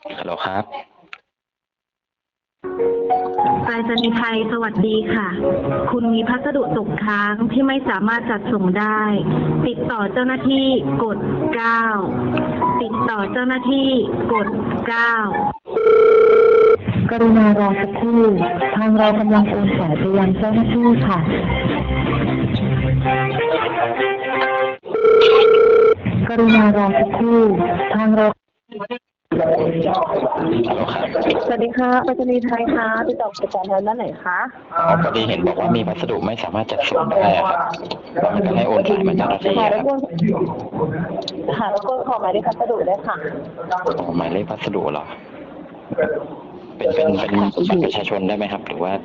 ฮัลโหลครับไปรษณีย์ไทยสวัสดีค่ะ คุณมีพัสดุตกค้างที่ไม่สามารถจัดส่งได้ ติดต่อเจ้าหน้าที่กด 9 ติดต่อเจ้าหน้าที่กด 9 กรุณารอสักครู่ทางเรากำลังโอนสายไปยังเจ้าหน้าที่ค่ะกรุณารอสักครู่ทางเราฮัลโหลครับสวัสดีค่ะไปรษณีย์ไทยค่ะติดต่อกิจการทางด้านไหนคะพอดีเห็นบอกว่ามีพัสดุไม่สามารถจัดส่งได้อะครับแล้วมันก็ให้โอนสายมาเจ้าหน้าที่ค่ะอะครับแล้วก็ขอหมายเลขพัสดุได้ค่ะหมายเลขพัสดุเหรอเป็นบัตรประชาชนได้ไหมครับ หรือว่า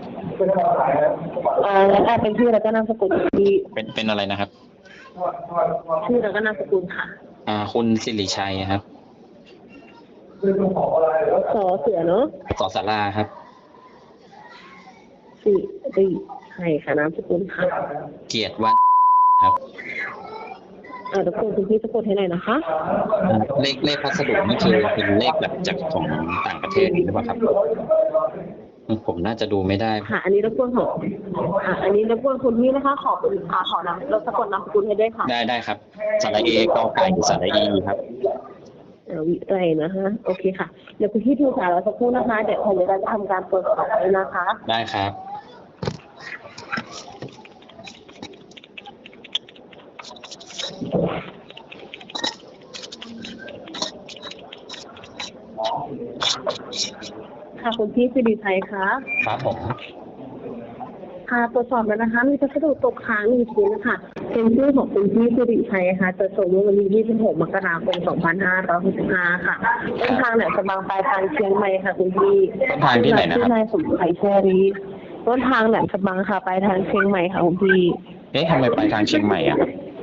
งั้นเป็นชื่อแล้วก็นามสกุลที่เป็นอะไรนะครับชื่อแล้วก็นามสกุลค่ะคุณสิริชัยครับสอเสือเนาะสอสาราครับสิใช่ค่ะนามสกุลค่ะเกียรติวัฒน์ครับรบกวนคุณพี่สะกดให้หน่อยนะคะเลขพัสดุนี่คือเป็นเลขแบบจากของต่างประเทศหรือเปล่าครับผมน่าจะดูไม่ได้ค่ะอันนี้รบกวนของอันนี้รบกวนคุณพี่นะคะขอนำรถสะกดนามสกุลให้ด้วยค่ะได้ครับสระเอกอไก่สระอีครับวิไรนะคะโอเคค่ะเดี๋ยวคุณพี่ดูสายเราสักครู่นะคะเดี๋ยวเราจะทำการตรวจสอบเลยนะคะได้ครับค่ะคุณพี่สิริชัยคะครับผมค่ะตรวจสอบแล้วนะคะมีพัสดุตกค้าง1 ชิ้นนะคะเป็นชื่อของคุณพี่สิริชัยค่ะจะส่งเมื่อวันที่26 มกราคม 2565 ค่ะต้นทางเนี่ยจะบางปลายทางเชียงใหม่ค่ะคุณพี่ต้นทางที่ไหนนะครับนายสมชัยแชรีต้นทางแหลมฉบังค่ะปลายทางเชียงใหม่ค่ะคุณพี่ทำไมไปทางเชียงใหม่อ่ะ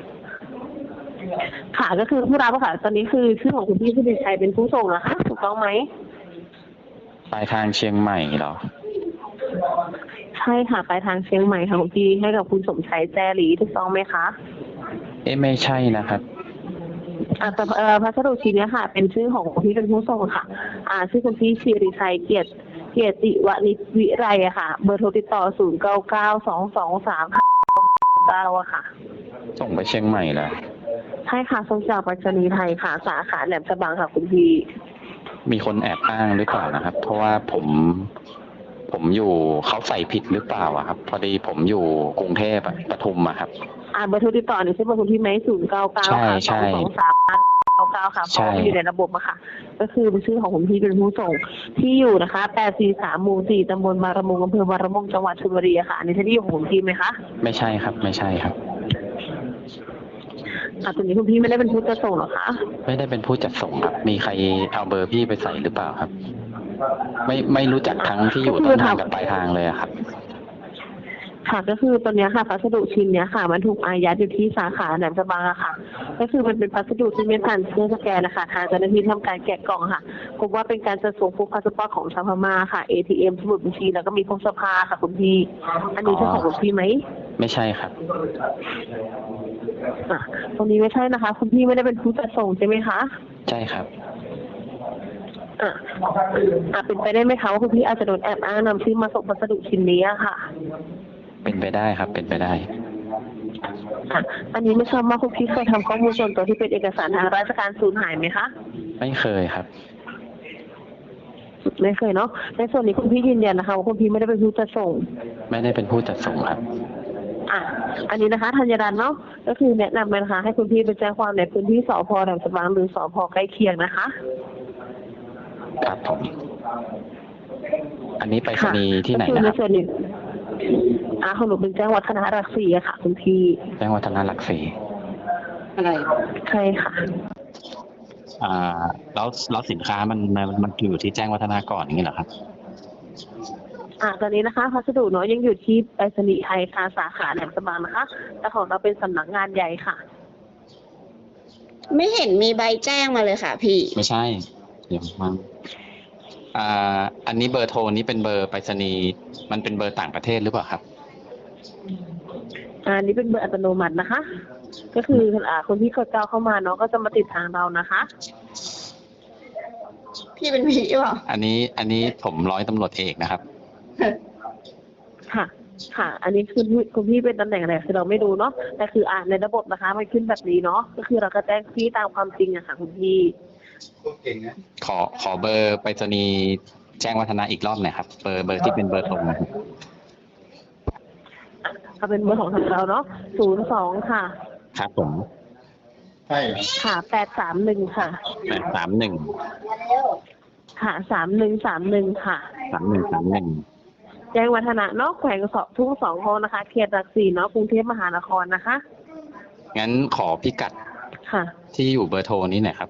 ค่ะก็คือผู้รับค่ะตอนนี้คือชื่อของคุณพี่สิริชัยเป็นผู้ส่งนะคะถูกต้องไหมปลายทางเชียงใหม่เหรอใช่ค่ะปลายทางเชียงใหม่ค่ะคุณพี่ให้กับคุณสมชัยแจรีถูกต้องไหมคะไม่ใช่นะครับแต่พัสดุชิ้นนี้ค่ะเป็นชื่อของคุณพี่เป็นผู้ส่งค่ะชื่อคุณพี่สิริชัยเกียรติวณิชวิไรอะค่ะเบอร์โทรติดต่อ099223 อะค่ะส่งไปเชียงใหม่เหรอใช่ค่ะส่งจากไปรษณีย์ไทยค่ะสาขาแหลมฉบังค่ะคุณพี่มีคนแอบอ้างหรือเปล่านะครับเพราะว่าผมอยู่เขาใส่ผิดหรือเปล่าอะครับพอดีผมอยู่กรุงเทพปทุมอะครับเบอร์โทรติดต่อนี่ใช่เบอร์คุณพี่ไหม099ค่ะ22399ค่ะเพราะว่าอยู่ในระบบอะค่ะก็คือเป็นชื่อของคุณพี่เป็นผู้ส่งที่อยู่นะคะ843 หมู่ 4 ตำบลบางระมุงอำเภอบางระมุงจังหวัดชลบุรีค่ะอันนี้ใช่ที่อยู่ของคุณพี่ไหมคะไม่ใช่ครับไม่ใช่ครับตรงนี้คุณพี่ไม่ได้เป็นผู้จัดส่งหรอคะไม่ได้เป็นผู้จัดส่งครับมีใครเอาเบอร์พี่ไปใส่หรือเปล่าครับไม่รู้จักทั้งที่อยู่ต้นทางกับปลายทางเลยครับค่ะก็คือตอนนี้ค่ะพัสดุชิ้นนี้ค่ะมันถูกอายัดอยู่ที่สาขาแหลมฉบังค่ะก็คือมันเป็นพัสดุที่ไม่ผ่านเครื่องสแกนนะคะทางเจ้าหน้าที่ทำการแกะกล่องค่ะพบว่าเป็นการจัดส่งพวกพาสปอร์ตของชาวพม่าค่ะ ATM สมุดบัญชีแล้วก็มีพวกเสื้อผ้าค่ะคุณพี่อันนี้ใช่ของคุณพี่ไหมไม่ใช่ครับตรงนี้ไม่ใช่นะคะคุณพี่ไม่ได้เป็นผู้จัดส่งใช่ไหมคะใช่ครับเป็นไปได้ไหมคะว่าคุณพี่อาจจะโดนแอบอ้างนำชื่อมาส่งพัสดุชิ้นนี้ค่ะเป็นไปได้ครับเป็นไปได้อันนี้ไม่ทราบว่าคุณพี่เคยทำข้อมูลส่วนตัวที่เป็นเอกสารทางราชการสูญหายไหมคะไม่เคยครับไม่เคยเนาะในส่วนนี้คุณพี่ยืนยันนะคะว่าคุณพี่ไม่ได้เป็นผู้จัดส่งไม่ได้เป็นผู้จัดส่งครับอันนี้นะคะธัญรัตน์เนาะก็คือแนะนำเลยนะคะให้คุณพี่ไปแจ้งความในพื้นที่สพ.แหลมฉบังหรือสพ.ใกล้เคียงนะคะครับผมอันนี้ไปรษณีย์ที่ไหนนะครับของหนูเป็นแจ้งวัฒนาหลักสี่ค่ะคุณพี่แจ้งวัฒนาหลักสี่อะไรใช่ค่ะแล้วสินค้ามันอยู่ที่แจ้งวัฒนาก่อนอย่างนี้เหรอครับตอนนี้นะคะพัสดุเนาะยังอยู่ที่ไปรษณีย์ไทยค่ะสาขาแหลมฉบังนะคะแต่ของเราเป็นสำนักงานใหญ่ค่ะไม่เห็นมีใบแจ้งมาเลยค่ะพี่ไม่ใช่เดี๋ยวมันอันนี้เบอร์โทรนี้เป็นเบอร์ไปรษณีย์มันเป็นเบอร์ต่างประเทศหรือเปล่าครับอันนี้เป็นเบอร์อัตโนมัตินะคะก็คือคนที่กดเข้ามาเนาะก็จะมาติดทางเรานะคะพี่เป็นผีหรือเปล่าอันนี้ผมร้อยตำรวจเอกนะครับค่ะ ค่ะ อันนี้คือคุณพี่เป็นตำแหน่งอะไรคือเราไม่รู้เนาะแต่คือในระบบนะคะมันขึ้นแบบนี้เนาะก็คือเราก็แจ้งพี่ตามความจริงอะค่ะคุณพี่ขอเบอร์ไปรษณีย์แจ้งวัฒนะอีกรอบหน่อยครับเบอร์ที่เป็นเบอร์ตรงนะครับเอาเป็นเบอร์ของทางเราเนาะ02ค่ะครับผมค่ะ831ค่ะ 831 ค่ะ3131ค่ะ 3131 แจ้งวัฒนะเนาะแขวงทุ่ง2ห้องนะคะเขตหลัก4เนาะกรุงเทพมหานครนะคะงั้นขอพิกัดค่ะที่อยู่เบอร์โทรนี้หน่อยครับ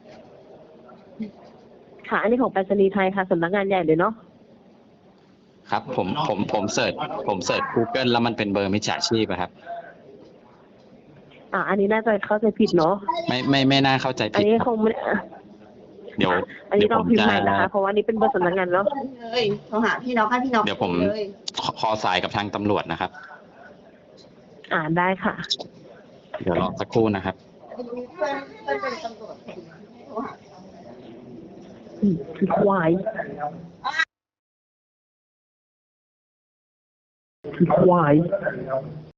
ค่ะ อันนี้ของไปรษณีย์ไทยค่ะสำนักงานใหญ่เลยเนาะครับผมเสิร์ช Google แล้วมันเป็นเบอร์มิจฉาชีพอะครับอันนี้น่าจะเข้าใจผิดเนาะไม่น่าเข้าใจอันผิดนี้ครับคงไม่เดี๋ยวอันนี้เดี๋ยวต้ผองมพิมพ์จะใหม่นะคะ เพราะว่าอันนี้เป็นเบอร์สำนักงานเนาะเลยโทรหาพี่น้องให้พี่น้องเดี๋ยวผมเลยขอสายกับทางตำรวจนะครับได้ค่ะเดี๋ยวรอสักครู่นะครับเพื่อนเป็นตำรวจโทรหาคือควายคือควาย